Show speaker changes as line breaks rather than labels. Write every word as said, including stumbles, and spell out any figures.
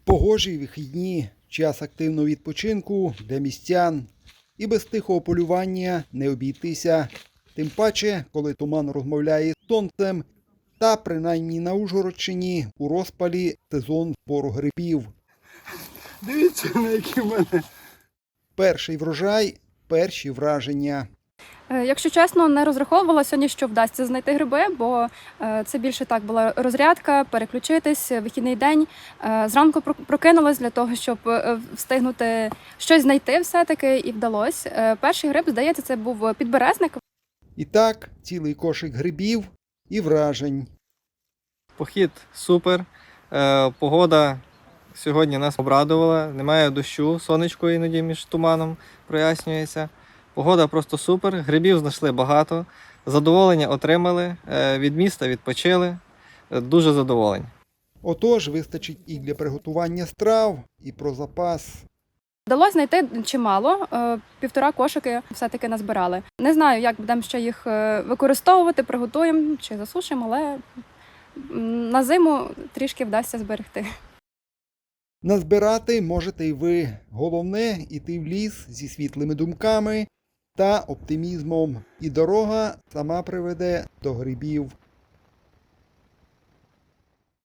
Погожі вихідні, час активного відпочинку для містян. І без тихого полювання не обійтися. Тим паче, коли туман розмовляє з сонцем, та принаймні на Ужгородщині у розпалі сезон збору грибів.
Дивіться, на які в мене.
Перший врожай – перші враження.
Якщо чесно, не розраховувала сьогодні, що вдасться знайти гриби, бо це більше так була розрядка, переключитись, вихідний день. Зранку прокинулась для того, щоб встигнути щось знайти все-таки, і вдалося. Перший гриб, здається, це був підберезник.
І так, цілий кошик грибів і вражень.
Похід супер, погода сьогодні нас обрадувала, немає дощу, сонечко іноді між туманом прояснюється. Погода просто супер, грибів знайшли багато, задоволення отримали, від міста відпочили, дуже задоволені.
Отож, вистачить і для приготування страв, і про запас.
Вдалося знайти чимало, півтора кошики все-таки назбирали. Не знаю, як будемо ще їх використовувати, приготуємо чи засушимо, але на зиму трішки вдасться зберегти.
Назбирати можете й ви. Головне – іти в ліс зі світлими думками та оптимізмом. І дорога сама приведе до грибів.